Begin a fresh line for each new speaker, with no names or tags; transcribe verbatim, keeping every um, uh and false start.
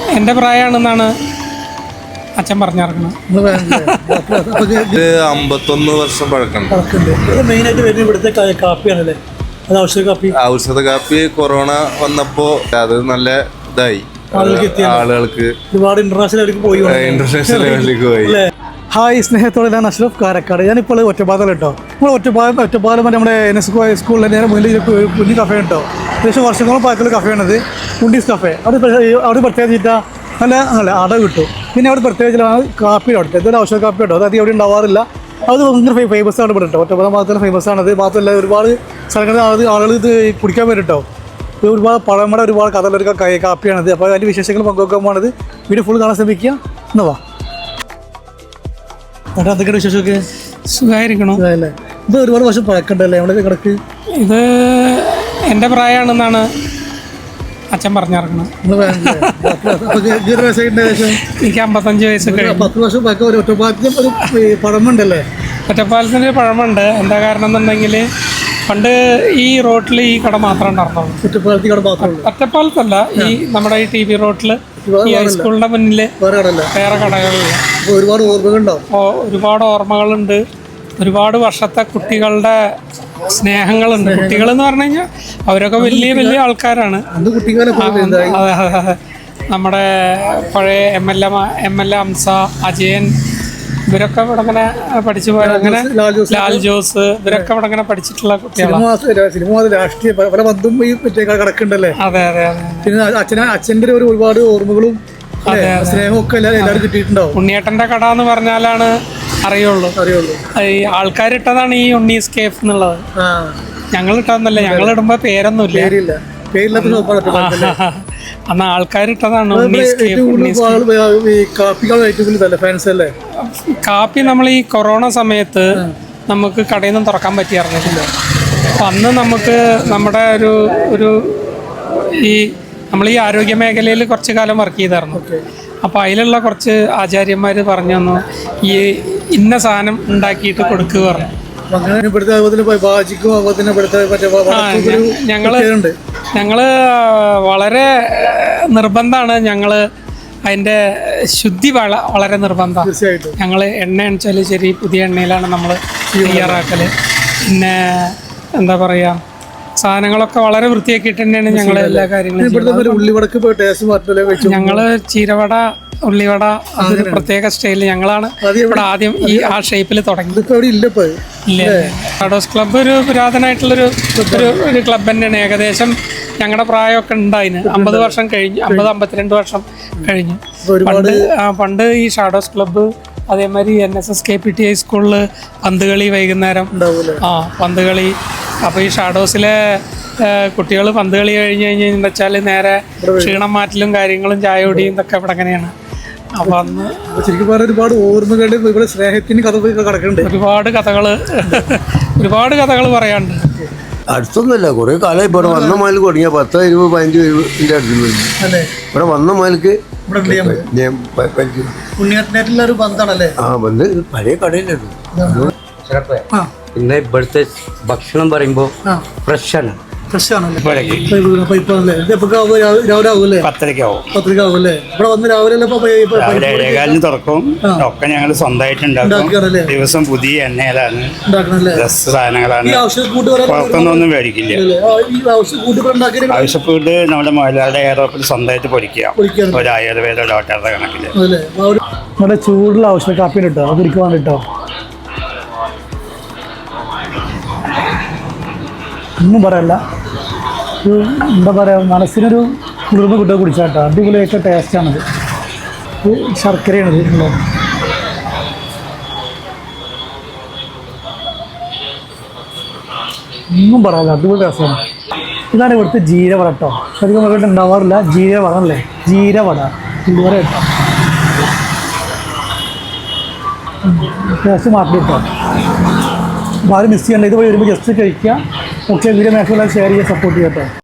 എൻ്റെ പ്രായമാണെന്നാണ് അച്ഛൻ പറഞ്ഞിറങ്ങുന്നത്.
അമ്പത്തൊന്ന് വർഷം പഴക്കമുണ്ട്.
മെയിനായിട്ട് വരുന്നത് ഇവിടുത്തെ കാപ്പിയാണല്ലേ? അത് ഔഷധ കാപ്പി.
ഔഷധ കാപ്പി കൊറോണ വന്നപ്പോ അത് നല്ല ഇതായി, ആളുകൾക്ക്
ഒരുപാട് ഇന്റർനാഷണൽ പോയി
ഇന്റർനാഷണൽ ലെവലിലേക്ക് പോയി.
ഹായ്, സ്നേഹത്തോടെ ഞാൻ അഷ്റഫ് കാരക്കാട്. ഞാനിപ്പോൾ ഒറ്റപ്പാലം കേട്ടോ. നമ്മൾ ഒറ്റപ്പാലം ഒറ്റപ്പാലം നമ്മുടെ എൻ എസ് സ്കൂളിൽ നേരെ മുന്നിൽ കുഞ്ഞു കഫേ കേട്ടോ. ഏകദേശം വർഷങ്ങളോളം പഴക്കമുള്ള കഫേയാണത്, ഉണ്ടീസ് കഫേ. അവിടെ അവിടെ പ്രത്യേകിച്ചിട്ട് നല്ല നല്ല അട കിട്ടും. പിന്നെ അവിടെ പ്രത്യേകിച്ചാണ് കാപ്പി അവിടുത്തെ ഇതൊരു ഔഷധ കാപ്പി കേട്ടോ. അത് അധികം അവിടെ ഉണ്ടാവാറില്ല. അത് ഭയങ്കര ഫേമസ് ആണ് ഇവിടെ കേട്ടോ. ഒറ്റപ്പാലം ഭാഗത്തുള്ള ഫേമസ് ആണത്. മാത്രമല്ല ഒരുപാട് സ്ഥലങ്ങളിൽ ആളുകൾ ഇത് കുടിക്കാൻ വരും കേട്ടോ. ഇത് ഒരുപാട് പഴമയുടെ ഒരുപാട് കഥകളൊരു കാപ്പിയാണത്. അപ്പോൾ അതിൻ്റെ വിശേഷങ്ങൾ പങ്കുവെക്കാൻ പോകുന്നത് വീഡിയോ ഫുൾ കാണാൻ ശ്രമിക്കുക. എന്നാ വാ എന്നിട്ട് എന്തൊക്കെയാണ് വിശേഷമൊക്കെ?
സുഖമായിരിക്കണോ?
അല്ലേ, ഇത് ഒരുപാട് വർഷം പഴക്കണ്ടല്ലേ നമ്മുടെ കിടക്ക്?
ഇത് എൻ്റെ പ്രായമാണെന്നാണ് അച്ഛൻ പറഞ്ഞിറങ്ങുന്നത്. എനിക്ക് അമ്പത്തഞ്ച് വയസ്സ് കഴിഞ്ഞു.
പത്ത് വർഷം പഴക്കം ഒരു ഒറ്റപ്പാലത്തിന് ഒരു പഴമുണ്ടല്ലേ?
ഒറ്റപ്പാലത്തിന് പഴമുണ്ട്. എന്താ കാരണം എന്നുണ്ടെങ്കിൽ പണ്ട് ഈ റോട്ടിൽ ഈ കട മാത്രമേ ഉണ്ടായിരുന്നുള്ളൂ.
ഒറ്റപ്പാലത്ത് കട മാത്രമേ?
ഒറ്റപ്പാലത്തല്ല, ഈ നമ്മുടെ ഈ ടി വി റോട്ടിൽ ഈ ഹൈസ്കൂളിന്റെ മുന്നിൽ വേറെ കടകളില്ല.
ഒരുപാട് ഓർമ്മകളുണ്ടാവും.
ഒരുപാട് ഓർമ്മകളുണ്ട്. ഒരുപാട് വർഷത്തെ കുട്ടികളുടെ സ്നേഹങ്ങളുണ്ട്. കുട്ടികൾ എന്ന് പറഞ്ഞു കഴിഞ്ഞാൽ അവരൊക്കെ വലിയ വലിയ ആൾക്കാരാണ്. അതെ അതെ, നമ്മുടെ പഴയ M L A M L A Hamsa, Ajayan, ഇവരൊക്കെ ഇവിടെ ഇങ്ങനെ പഠിച്ചു പോയ, അങ്ങനെ ലാൽ ജോസ്, ഇവരൊക്കെ ഇവിടെ ഇങ്ങനെ പഠിച്ചിട്ടുള്ള കുട്ടികളാണ്.
രാഷ്ട്രീയ പല ബന്ധും ഈ കിടക്കുന്നുണ്ടല്ലേ?
അതെ അതെ അതെ.
പിന്നെ അച്ഛന അച്ഛൻ്റെ ഒരു ഒരുപാട് ഓർമ്മകളും സ്നേഹമൊക്കെ എല്ലാവരും കിട്ടിയിട്ടുണ്ടാവും.
ഉണ്ണിയേട്ടൻ്റെ കട എന്ന് പറഞ്ഞാലാണ് അറിയുള്ളൂ അറിയുള്ളൂ ഈ ആൾക്കാരിട്ടതാണ് ഈ ഉണ്ണീസ് കേഫ് എന്നുള്ളത്. ഞങ്ങൾ ഇട്ടതെന്നല്ല, ഞങ്ങൾ ഇടുമ്പോ പേരൊന്നുമില്ല, അന്ന് ആൾക്കാരിട്ടതാണ് ഉണ്ണീസ് കേഫ്. കാപ്പി നമ്മൾ ഈ കൊറോണ സമയത്ത് നമുക്ക് കടയിൽ നിന്നും തുറക്കാൻ പറ്റിയായിരുന്നില്ല. അപ്പം അന്ന് നമുക്ക് നമ്മുടെ ഒരു ഒരു ഈ നമ്മൾ ഈ ആരോഗ്യ മേഖലയിൽ കുറച്ച് കാലം വർക്ക് ചെയ്തായിരുന്നു. അപ്പോൾ അതിലുള്ള കുറച്ച് ആചാര്യന്മാർ പറഞ്ഞു തന്നു, ഈ ഇന്ന സാധനം ഉണ്ടാക്കിയിട്ട് കൊടുക്കുക പറഞ്ഞു. ഞങ്ങള് ഞങ്ങള് വളരെ നിർബന്ധമാണ്. ഞങ്ങള് അതിൻ്റെ ശുദ്ധി വള വളരെ നിർബന്ധമാണ്. ഞങ്ങൾ എണ്ണ അണിച്ചാൽ ശരി, പുതിയ എണ്ണയിലാണ് നമ്മൾ തയ്യാറാക്കൽ. പിന്നെ എന്താ പറയുക, സാധനങ്ങളൊക്കെ വളരെ വൃത്തിയാക്കിയിട്ട് തന്നെയാണ് ഞങ്ങൾ എല്ലാ കാര്യങ്ങളും. ഞങ്ങള് ചീരവട, ഉള്ളിവട, അതൊരു പ്രത്യേക സ്റ്റൈലിൽ ഞങ്ങളാണ് ഇവിടെ ആദ്യം ഈ ആ ഷേപ്പിൽ തുടങ്ങി. ഇല്ല, ഷാഡോസ് ക്ലബ്ബ് ഒരു പുരാതനമായിട്ടുള്ളൊരു ഒരു ഒരു ക്ലബ്ബ് തന്നെയാണ്. ഏകദേശം ഞങ്ങളുടെ പ്രായമൊക്കെ ഉണ്ടായിന്. അമ്പത് വർഷം കഴിഞ്ഞു, അമ്പത് അമ്പത്തിരണ്ട് വർഷം കഴിഞ്ഞു. പണ്ട് പണ്ട് ഈ ഷാഡോസ് ക്ലബ്ബ് അതേമാതിരി N S S K P T ഹൈസ്കൂളിൽ പന്തുകളി വൈകുന്നേരം, ആ പന്തുകളി. അപ്പോൾ ഈ ഷാഡോസിലെ കുട്ടികൾ പന്ത് കളി കഴിഞ്ഞ് കഴിഞ്ഞ് വെച്ചാൽ നേരെ ക്ഷീണം മാറ്റലും കാര്യങ്ങളും ചായ കുടിയും ഇതൊക്കെ ഇവിടെ അങ്ങനെയാണ്. അപ്പം അന്ന്
ശരിക്കും പറഞ്ഞാൽ ഒരുപാട് ഓർമ്മകളുടെ ഇവിടെ സ്നേഹത്തിന് കഥ കിടക്കുന്നുണ്ട്.
ഒരുപാട് കഥകൾ ഒരുപാട് കഥകൾ പറയാനുണ്ട്.
അടുത്തൊന്നുമല്ല, കുറെ കാലമായി ഇവിടെ വന്ന മാലിക്ക് തുടങ്ങിയ പത്ത് ഇരുപത് പതിനഞ്ച് ഇരുപതിൻ്റെ അടുത്ത് ഇവിടെ വന്ന മാലിക്ക് ആ ബന്ധ് പഴയ കടയിലായിരുന്നു.
പിന്നെ ഇവിടുത്തെ ഭക്ഷണം പറയുമ്പോൾ ഫ്രഷാണ്.
ഏഴേകാലിന് തുറക്കും. ഒക്കെ ഞങ്ങൾ സ്വന്തമായിട്ട് ഉണ്ടാക്കും. ദിവസം പുതിയ എണ്ണയിലാണ്, സാധനങ്ങളാണ്. പുറത്തൊന്നും മേടിക്കില്ല. ആവശ്യപ്പെട്ട് നമ്മുടെ മലയാള എയറോപ്പിൽ സ്വന്തമായിട്ട് പൊടിക്കുക, ഒരു ആയുർവേദ ഡോക്ടറുടെ കണക്കില്.
നമ്മുടെ ചൂടുള്ള ഔഷധ കാപ്പി കിട്ടോ, അത് കുടിക്കുവാൻ കിട്ടോ, ഒന്നും പറയല്ല. ഒരു എന്താ പറയുക, മനസ്സിനൊരു കുളിർമ കിട്ടുക കുടിച്ചാട്ടോ. അടിപൊളിയായിട്ട് ടേസ്റ്റാണത്. ശർക്കരയാണിത് ഉള്ളത്. ഒന്നും പറയാല്ല, അടിപൊളി ടേസ്റ്റാണ്. ഇതാണ് ഇവിടുത്തെ ജീരവട കേട്ടോ. അധികം ഇവിടെ ഉണ്ടാവാറില്ല. ജീരവട അല്ലേ, ജീരവട ഇതുവരെ കേട്ടോ. ടേസ്റ്റ് മാറ്റി കേട്ടോ. അപ്പോൾ ആരും മിസ് ചെയ്യണ്ട. ഇതുവഴി വരുമ്പോൾ ജസ്റ്റ് കഴിക്കുക. ഓക്കെ, വീഡിയോ മാക്സിമം ഷെയർ ചെയ്യുക, സപ്പോർട്ട് ചെയ്യാം കേട്ടോ.